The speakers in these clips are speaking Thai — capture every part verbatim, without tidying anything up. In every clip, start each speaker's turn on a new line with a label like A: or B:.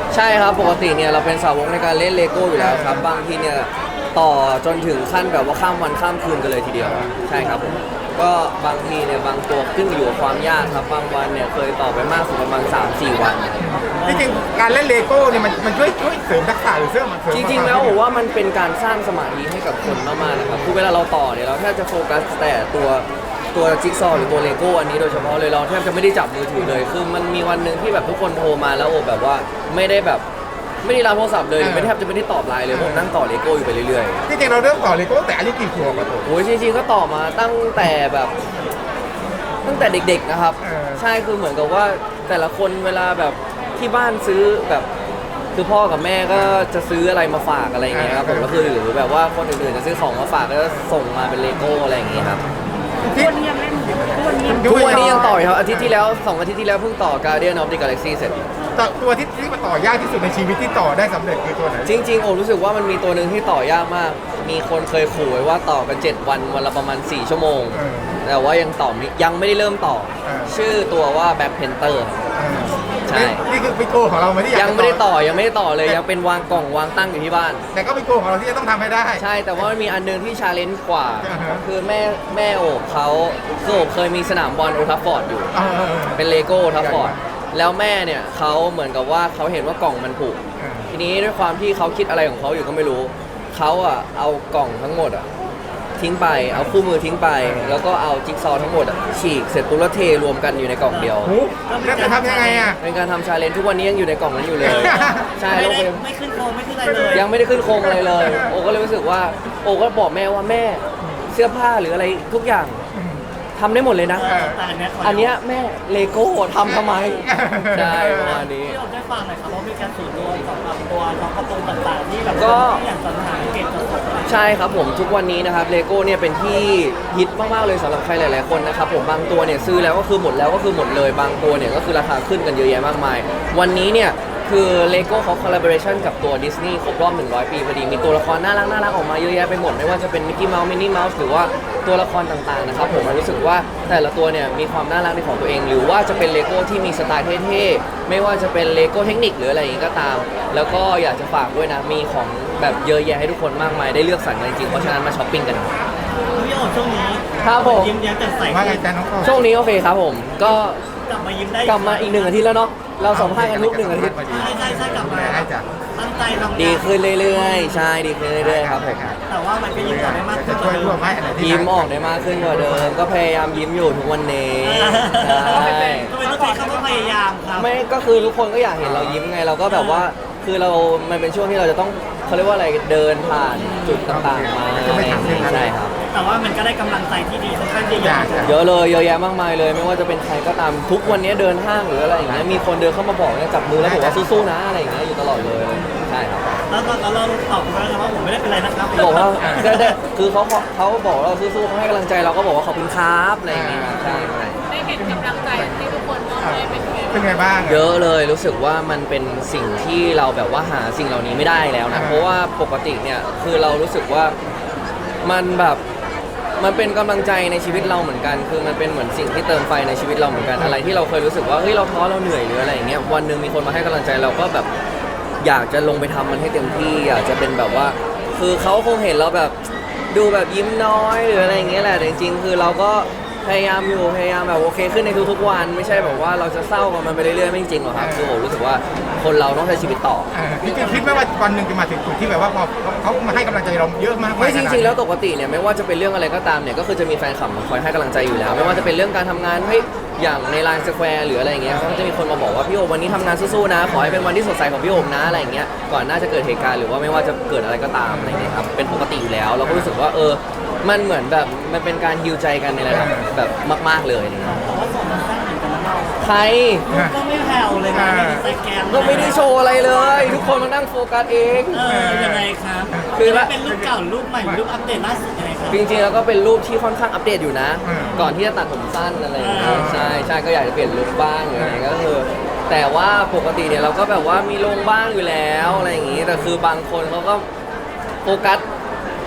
A: ใช่ครับปกติเนี่ยเราเป็นสาวกในการเล่นเลโก้อยู่แล้วครับบางทีเนี่ยต่อจนถึงขั้นแบบว่าข้ามวันข้ามคืนกันเลยทีเดียวใช่ครับผมก็บางทีเนี่ยบางตัวขึ้นอยู่กับความยากครับบางวันเนี่ยเคยต่อไปมากสุดประมาณ สามถึงสี่ วัน
B: จริงๆการเล่นเลโก้เนี่ยมันมันช่วยช่วยเสริมทักษะหรือเสริมมันเสริม
A: จริงๆแล้วผมว่ามันเป็นการสร้างสมาธิให้กับคนมากๆนะครับคือเวลาเราต่อเนี่ยเราแทบจะโฟกัสแต่ตัวตัวจิ๊กซอว์หรือตัวเลโก้อันนี้โดยเฉพาะเลยเราแทบจะไม่ได้จับมือถือเลยคือมันมีวันหนึ่งที่แบบทุกคนโทรมาแล้วโอ้แบบว่าไม่ได้แบบไม่ได้รับโทรศัพท์เลยไม่แทบจะไม่ได้ตอบไลน์เลยผมนั่งต่อเลโก้อยู่ไปเรื่อย
B: ๆจริงๆเราเริ่มต่อเลโก้แต่อายุกี่ขวบอะตัว
A: ๆโอ้ยจริงๆก็ต่อมาตั้งแต่แบบตั้งแต่เด็กๆนะครับใช่คือเหมือนกับว่าแต่ละคนเวลาแบบที่บ้านซื้อแบบคือพ่อกับแม่ก็จะซื้ออะไรมาฝากอะไรอย่างเงี้ยครับผมก็คือหรือแบบว่าคนอื่นๆจะซื้อของมาฝากก็จะส่งมาเป็นเลโก้อะไรอย่างเงี้ยครับ
C: ทุกวันนี้ยังเล่นอยู่ทุกวันนี้ยัง
A: ทุกวันนี้ยังต่ออยู่ครับอาทิตย์ที่แล้วสองอาทิตย์ที่แล้วเพิ่งต่อ Guardian of the Galaxy เสร็จ
B: ตัวที่ที่มาต่อยากที่สุดในชีวิตที่ต่อได้สำเร็จคือตัวไหน
A: จริงๆโอ้รู้สึกว่ามันมีตัวหนึ่งที่ต่อยากมากมีคนเคยขู่ไว้ว่าต่อกันเจ็ดวันวันละประมาณสี่ชั่วโมงแต่ว่ายังต่อยังไม่ได้เริ่มต่อชื่อตัวว่า Black Panther ใช่
B: นี่คือเป็นโกของเราไหมที่
A: ยังไม่ได้ต่อยังไม่ได้ต่อเลยยังเป็นวางกล่องวางตั้งอยู่ที่บ้าน
B: แต่ก็เป็นโกของเราที่จะต้องทำให้ได้
A: ใช่แต่ว่ามันมีอันนึงที่ชาเลนจ์กว่าคือแม่แม่โอบเขาคือโอบเคยมีสนามบอลโอทัฟฟอร์ดอยู่เป็นเลโก้โอทัฟฟอร์ดแล้วแม่เนี่ยเขาเหมือนกับว่าเขาเห็นว่ากล่องมันผุทีนี้ด้วยความที่เขาคิดอะไรของเขาอยู่ก็ไม่รู้เขาอ่ะเอากล่องทั้งหมดอ่ะทิ้งไปเอาคู่มือทิ้งไปแล้วก็เอาจิ๊กซอว์ทั้งหมดอ่ะฉีกเสร็จปุ๊บแล้วเทรวมกันอยู่ในกล่องเดียว
B: แล้วจะทำยังไงอ่ะ
A: เป็นการทำชาเลนจ์ทุกวันนี้ยังอยู่ในกล่องนั้นอยู่เลยใช่
C: ไม่ไม่ขึ้นโครงไม่ขึ้นอะไรเลย
A: ยังไม่ได้ขึ้นโครงอะไรเลยโอก็เลยรู้สึกว่าโอก็บอกแม่ว่าแม่เสื้อผ้าหรืออะไรทุกอย่างทำได้หมดเลยนะอันเนี้ยแม่เลโก้ทำทำไมใช่ประมาณนี้
C: ที่เราได้ฟังหน่อยครับว่ามีการสูตรรวมสำหรับตัวน้องการ์ตูนต่างๆที่แบบก็อย่างสรรหาเก็บสด
A: ใช่ครับผมทุกวันนี้นะครับเลโก้เนี่ยเป็นที่ฮิตมากๆเลยสำหรับใครหลายๆคนนะครับผมบางตัวเนี่ยซื้อแล้วก็คือหมดแล้วก็คือหมดเลยบางตัวเนี่ยก็คือราคาขึ้นกันเยอะแยะมากมายวันนี้เนี่ยคือเลโก้เขาคอลลาบอเรชันกับตัวดิสนีย์ครบรอบหนึ่งร้อยปีพอดีมีตัวละครน่ารักน่ารักออกมาเยอะแยะไปหมดไม่ว่าจะเป็นมิกกี้เมาส์มินนี่เมาส์หรือว่าตัวละครต่างๆนะครับผมรู้สึกว่าแต่ละตัวเนี่ยมีความน่ารักในของตัวเองหรือว่าจะเป็นเลโก้ที่มีสไตล์เท่ๆไม่ว่าจะเป็นเลโก้เทคนิคหรืออะไรอย่างนี้ก็ตามแล้วก็อยากจะฝากด้วยนะมีของแบบเยอะแยะให้ทุกคนมากมายได้เลือกสรรกันจริงๆเพราะฉะนั้นมาช้อปปิ้งกัน
C: พี่โอ๊ตช่วงนี้
A: ครับผม
C: ยิ้มแย้มแจ่มใส
A: ช่วงนี้โอเคครับผมก็
C: กลับมายิ้มได้
A: กลับมาอีกหนึ่งอาทิตย์แล้วเนาะเราสัมภาษณ์กันทุกหนึ่งอาทิตย์
C: ใช่ใช่ใช่กลับมาตั้งใจทำ
A: ดีขึ้นเรื่อยๆใช่ดีขึ้นเรื่อยๆครับผม
C: แต่ว่ามันก็ยิ้มออกได้มากขึ้น
B: ช่วยร่วมให้
A: ยิ้มออกได้มากขึ้นกว่าเดิมก็พยายามยิ้มอยู่ทุกวันนี้
C: ใช่ทำไมต้องใช้คำว่าพยายามครับ
A: ไม่ก็คือทุกคนก็อยากเห็นเรายิ้มไงเราก็แบบว่าคือเรามันเป็นช่วงที่เราจะต้องเขาเรียกว่าอะไรเดินผ่านจุดต่างๆมาใช่ครับ
C: แต่ว่ามันก็ได้กำลังใจที่ดีค่อนข้างเยอะ
A: เยอะเลยเยอะแยะมากมายเลยไม่ว่าจะเป็นใครก็ตามทุกวันนี้เดินห้างหรืออะไรอย่างเงี้ยมีคนเดินเข้ามาบอกเนี่ยจับมือแล้วบอกว่าสู้ๆนะอะไรอย่างเงี้ยอยู่ตลอดเลยใช่ครับ
C: แล้วก็เราตอบเขาว่าผมไม่ได้เป็นไรนะครับ
A: บอกว่าได้คือเขาเขาบอกเราสู้ๆเขาให้กำลังใจเราก็บอกว่าขอบคุณครับอะไรอย่างเงี้ยใช่
D: ได้เห็นกำลังใจที่ทุกคนมอบให้เป็นไง
B: เป็นไงบ้าง
A: เยอะเลยรู้สึกว่ามันเป็นสิ่งที่เราแบบว่าหาสิ่งเหล่านี้ไม่ได้แล้วนะเพราะว่าปกติเนี่ยคือเรารู้สึกว่ามันแบบมันเป็นกำลังใจในชีวิตเราเหมือนกันคือมันเป็นเหมือนสิ่งที่เติมไฟในชีวิตเราเหมือนกันอะไรที่เราเคยรู้สึกว่าเฮ้ยเราท้อเราเหนื่อยหรืออะไรอย่างเงี้ยวันหนึ่งมีคนมาให้กำลังใจเราก็แบบอยากจะลงไปทำมันให้เต็มที่อยากจะเป็นแบบว่าคือเขาคงเห็นเราแบบดูแบบยิ้มน้อยหรืออะไรอย่างเงี้ยแหละแต่จริงๆคือเราก็พยายามอยู่พยายามแบบโอเคขึ้นในทุกๆวันไม่ใช่แบบว่าเราจะเศร้ากับมันไปเรื่อยๆไม่จริงหรอกครับคือผมรู้สึกว่าคนเราต้องใช้ชีวิตต่อ
B: พี่คิดไหมว่าวันหนึ่งจะมาถึงจุดที่แบบว่าพอเขามาให้กำลังใจเราเยอะมาก
A: ไม่จริงๆแล้วปกติเนี่ยไม่ว่าจะเป็นเรื่องอะไรก็ตามเนี่ยก็คือจะมีแฟนคลับมาคอยให้กำลังใจอยู่แล้วไม่ว่าจะเป็นเรื่องการทำงานเฮ้ยอย่างในไลน์สแควร์หรืออะไรอย่างเงี้ยก็จะมีคนมาบอกว่าพี่โอวันนี้ทำงานสู้ๆนะขอให้เป็นวันที่สดใสของพี่โอนะอะไรอย่างเงี้ยก่อนหน้าจะเกิดเหตุการณ์หรือว่าไม่ว่าจะเกิดอะไรก็ตามอะไรเงี้ยครับเป็นปกติอยู่แล้วเราก็รู้สึกว่าเออมันเหมือนแบบมันเป็นการฮิวใจกันในระดับแบบมากๆเลย
C: แต่ว่าส่งมาสร้างเหมือนกันแล้วเรา
A: ใคร
C: ก็ไม่แผ่วเลยนะในแกม
A: ก็ไม่ได้โชว์อะไรเลยทุกคนมานั่งโฟกัสเอง
C: เออยังไงครับคือเป็นรูปเก่ารูปใหม่รูปอัปเดตล่าสุดยังไงครับ
A: จริงๆแล้วก็เป็นรูปที่ค่อนข้างอัปเดตอยู่นะก่อนที่จะตัดผมสั้นอะไรอย่างเงี้ยใช่ใช่ก็อยากจะเปลี่ยนลุคบ้างอะไรก็คือแต่ว่าปกติเนี่ยเราก็แบบว่ามีลงบ้างอยู่แล้วอะไรอย่างงี้แต่คือบางคนเขาก็โฟกัส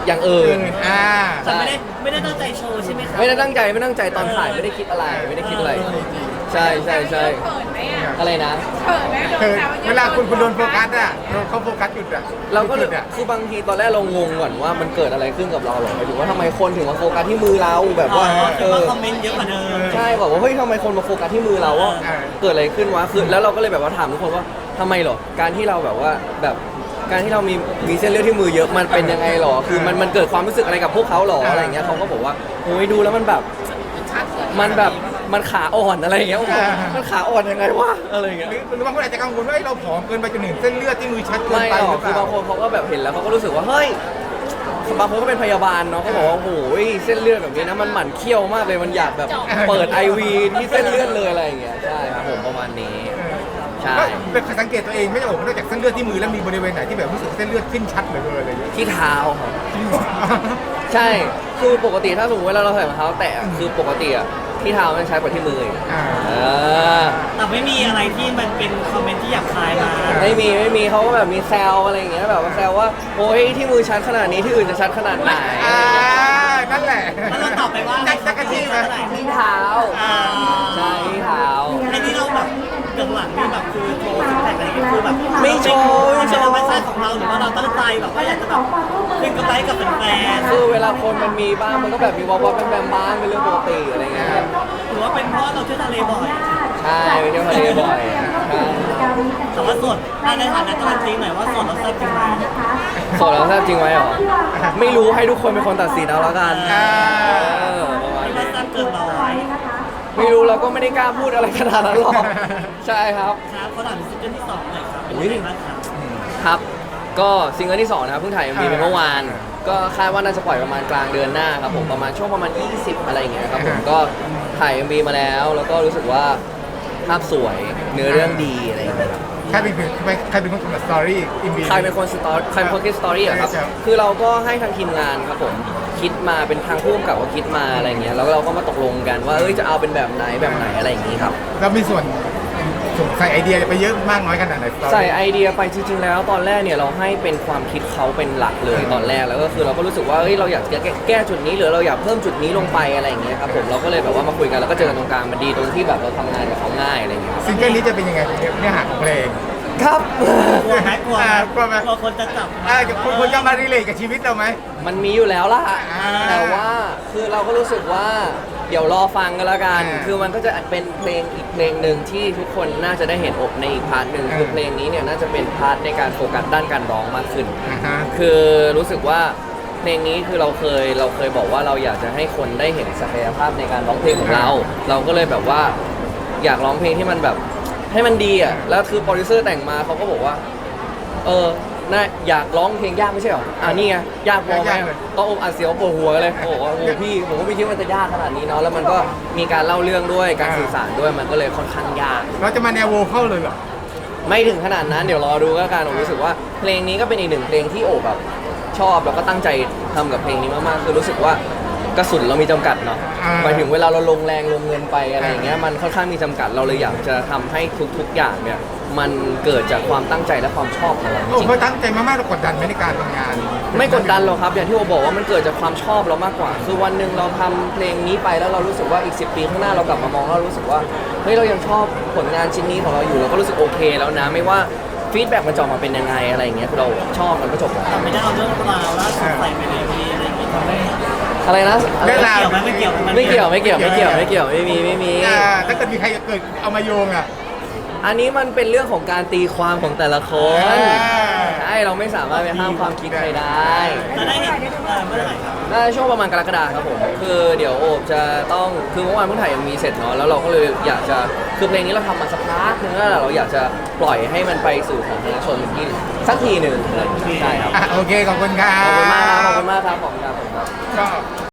A: อย่างอื่น
B: อ่า
C: แต่ไม่ได้ไม่ได้ตั้งใจโชว์ใช่ไหมครับ
A: ไม่ได้ตั้งใจไม่ตั้งใจตอนถ่ายไม่ได้คิดอะไรไม่ได้คิดอะไร ใช่ใช่ใช่
D: เขินไหมอ่ะ
A: อะไรนะ
D: เขินไหมโด
B: คื
D: น
B: อ
D: แซวอะ
B: เวลาคุณคุณโดนโฟกัสอ่ะโดนเขาโฟกัสหยุดอ่ะ
A: เราก็เลย
B: หยุดอ่ะ
A: คือบางทีตอนแรกเรางงก่อนว่ามันเกิดอะไรขึ้นกับเราหรอหมายถึงว่าทำไมคนถึงมาโฟกัสที่มือเราแบบ
C: อ๋อ
A: ว่า
C: คื
A: เอ
C: อว่า
A: อ
C: คอมเมนต์เยอะกว่าเดิม
A: ใช่บอกว่าเฮ้ยทำไมคนมาโฟกัสที่มือเราว่า
B: เออ
A: เกิดอะไรขึ้นวะคือแล้วเราก็เลยแบบว่าถามทุกคนว่าทำไมหรอการที่เราแบบว่าแบบการที่เรามีมีเส้นเลือดที่มือเยอะมันเป็นยังไงหรอคือมันมันเกิดความรู้สึกอะไรกับพวกเขาหรออะไรอย่างเงี้ยเขาก็บอกว่าโอ้ยดูแล้วมันแบบมันแบบมันขาอ่อนอะไรอย่างเงี้ยผมบอกมันขาอ่อนยังไงวะอะไรอย่างเงี้ย
B: หรือหรือบางคนอาจจะกังวลว่าเอ้ยเราผอมเกินไปจนถึงเส้นเลือดที่มือชัดเกิน
A: ไม่
B: ไป
A: หร
B: ห
A: อ
B: รื
A: ก
B: อเป
A: คือบา
B: ล่า
A: งคนเขาก็แบบเห็นแล้วเขาก็รู้สึกว่าเฮ้ยบางคนก็เป็นพยาบาลเนาะเขาบอกว่าโอ้โหเส้นเลือดแบบนี้นะมันหมั่นเคี้ยวมากเลยมันอยากแบบเปิดไอวีที่เส้นเลือดเลยอะไรอย่างเงี้ยใช่ครับผมประมาณนี้ใช่
B: ก็เป็นสังเกตตัวเองไม่ได้โอ้โหนอกจากเส้นเลือดที่มือแล้วมีบริเวณไหนที่แบบรู้สึกเส้นเลือดขึ้นชัดเหลือเกินอะไรอย่างเงี้ย
A: ที่เท้าครับใช่คือปกติถ้าสมมติเวลาเราใส่รองเท้าแตะคือปกติอะที่เท้ามันใช้กว่าที่มืออีก
B: อ่า
A: เออ
C: แต่ไม่มีอะไรที่มันเป็นคอมเมนต์ที่หยาบคายมา
A: ไม่มีไม่มีเขาก็แบบมีแซวอะไรอย่างเงี้ยแบบว่าแซวว่าโอ้ยที่มือชัดขนาดนี้ที่อื่นจะชัดขนาดไหน
B: อ่านั่นแหละ
C: แล้วเราตอบไปว่า
B: จักจักรจี้ไหม
A: ที่เท้า
C: อ่า
A: ใช่ที่เท้า
C: ไอ้ที่เราแบบเบื้องหลังนี่แบบคือโชว์ซิกแพคอะไรอย่างเงี้ยคือแบบ
A: ไม่โชว์ไม่
C: มัน
A: โช
C: เป็น
A: ว์
C: ธรรมชาติของเราหรือว่าเราตั้งใจแบบว่าอยากจะแบบขึ้นกำไรกับแฟน
A: คือเวลาคนมันมีบ้างมันก็แบบมีวับวับแวมๆบ้างเป็นเรื่องปกติอะไรเงี้ยครับ
C: ๆหรือว่าเป็นเพราะเราเที่ยวทะเลบ่อย
A: ใช่ไปเที่ยวทะเลบ่อยใช่
C: แต่ว่าส่วนในฐานะการันตีหน่อยว่าส่วนเราแซ่บจริงไหม
A: โสดแล้วแซ่บจริงไหมหรอไม่รู้ให้ทุกคนเป็นคนตัดสินเอาแล้วกัน
B: อ่า
A: เออประมาณ
C: ที่ว่า
A: นี้
C: แซ่บเกินร้อย
A: ไม่รู้เราก็ไม่ได้กล้าพูดอะไรขนาดนั้นหรอกใช่ครับ
C: ครับเขาถามซิงเกิลที่สองหน่อยครับเป็น
A: อุ๊ย
C: ยังไงบ้างครับ
A: ครับ ก็ซิงเกิลที่สองนะครับเพิ่งถ่าย เอ็ม วี ไปเมื่อวาน ก็คาดว่าน่าจะปล่อยประมาณกลางเดือนหน้าครับผมประมาณช่วงประมาณยี่สิบอะไรอย่างเงี้ยครับผมก็ถ่าย เอ็ม วี มาแล้ว แล้วก็รู้สึกว่าภาพสวยเนื้อเรื่องดีอะไรอย่างเงี้ยครับ
B: ใครเป็นใครเป็นคนกำหนดสตอรี่อินบี
A: ใครเป็นคนสตอรี่ใครเป็นคนคิดสตอรี่อะครับ
B: ใช่
A: คือเราก็ให้ทางทีมงานครับผมคิดมาเป็นทางผู้กำกับก็คิดมาอะไรเงี้ยแล้วเราก็มาตกลงกันว่าเอ้ยจะเอาเป็นแบบไหนแบบไหนอะไรอย่างงี้ครับ
B: เรามีส่วนส่งใส่ไอเดียไปเยอะมากน้อยขนาดไหน story
A: ใส่ไอเดียไปจริงๆแล้วตอนแรกเนี่ยเราให้เป็นความคิดเขาเป็นหลักเลยตอนแรกแล้วก็คือเราก็รู้สึกว่าเอ้ยเราอยากจะแก้แก้จุดนี้หรือเราอยากเพิ่มจุดนี้ลงไปอะไรอย่างเงี้ยครับผมเราก็เลยแบบว่ามาคุยกันแล้วก็เจอกันตรงกลางมันดีตรงที่แบบเราทำงานกับเขาง่ายอะไรอย่างเงี้ย
B: ซิงเกิลนี้จะเป็นยังไงเนื้อหาของเพลง
A: ครับ
C: กลัวไหมกลัวไหม
B: อ่ากลัวไหม
C: กลัวคนจะจับ
B: อ่าคุณคุณจะมารีเลทกับชีวิตเราไหม
A: มันมีอยู่แล้วล่ะ
B: อ่า
A: แต่ว่าคือเราก็รู้สึกว่าเดี๋ยวรอฟังกันแล้วกัน
B: อ่า
A: คือมันก็จะเป็นเพลงอีกเพลงหนึ่งที่ทุกคนน่าจะได้เห็นอกในอีกพาร์ทหนึ่ง
B: อ่า
A: คือเพลงนี้เนี่ยน่าจะเป็นพาร์ทในการโฟกัสด้านการร้องมากขึ้น
B: อ่าฮะ
A: คือรู้สึกว่าเพลงนี้คือเราเคยเราเคยบอกว่าเราอยากจะให้คนได้เห็นศักยภาพในการร้องเพลงของเรา เราก็เลยแบบว่าอยากร้องเพลงที่มันแบบให้มันดีอ่ะแล้วคือโปรดิวเซอร์แต่งมาเขาก็บอกว่า เออน่าอยากร้องเพลงยากไม่ใช่หรออ่านี่ไงยากพอไหม
B: ยากเลย
A: ต้องอมอัดเสียวปวดหัวเลยโอ้โหโอ้โหพี่ผมก็ไม่คิดว่ามันจะยากขนาดนี้เนาะแล้วมันก็มีการเล่าเรื่องด้วยการสื่อสารด้วยมันก็เลยค่อนข้างยาก
B: เราจะมาแนวโวเข้าเลยเหรอ
A: ไม่ถึงขนาดนั้นเดี๋ยวรอดูก็การผมรู้สึกว่าเพลงนี้ก็เป็นอีกหนึ่งเพลงที่โอบแบบชอบแล้วก็ตั้งใจทำกับเพลงนี้มากๆคือรู้สึกว่ากระสุนเรามีจำกัดเนาะ
B: อ่า
A: หมายถึงเวลาเราลงแรงลงเงินไปอะไรอย่างเงี้ยมันค่อนข้างมีจำกัดเราเลยอยากจะทำให้ทุกๆอย่างเนี่ยมันเกิดจากความตั้งใจและความชอบของเราจ
B: โอ้
A: ริง
B: เขาตั้งใจมากๆเรากดดันไหมในการทำงาน
A: ๆไม่กดดันหรอกครับอย่างที่โอบอกว่ามันเกิดจากความชอบเรามากกว่า คือวันหนึ่งเราทำเพลงนี้ไปแล้วเรารู้สึกว่าอีกสิบปีข้างหน้าเรากลับมามองแล้วเรารู้สึกว่าเฮ้ยเรายังชอบผลงานชิ้นนี้ของเราอยู่เราก็รู้สึกโอเคแล้วนะไม่ว่าฟีดแบ็กมันจะออกมาเป็นยังไงอะไรอย่างเงี้ยคือเราชอบมันก็จบแล้ว
C: แต่ไม่ได้เอาเรื่องราวล่าสุดใส่ไปในวีอะไรอย่างงี้ทำให้
A: อะไรนะ
B: เรื่องราว
C: เกี่ยวไหมไม่เกี่ยวห
A: ไม่เกี่ยวไม่เกี่ยวไม่เกี่ยวไม่เกี่ยวไม่มีไม่มี
B: อ่าถ้าเกิดมีใครเกิดเอามาโยงอ่ะ
A: อันนี้มันเป็นเรื่องของการตีความของแต่ละคน
B: อ่า
A: ใช่เราไม่สามารถไปห้ามความคิดใครได้
C: จะได้เห็นเอ่อเมื่อไหร่ครับ
A: น่าจะช่วงประมาณกรกฎาคมครับผมคือเดี๋ยวโอบจะต้องคือเมื่อวานเพิ่งถ่ายเอ็มวีเสร็จเนาะแล้วเราก็เลยอยากจะคือเพลงนี้เราทำมาสักพักนึงแล้วเราอยากจะปล่อยให้มันไปสู่สาธารณชนที่สักทีหนึ่งใช่ครับ
B: อ่ะโอเคขอบคุณครับ
A: ขอบคุณมากครับขอบคุณมากครับขอบคุณครับขอบคุณครับ
B: ก็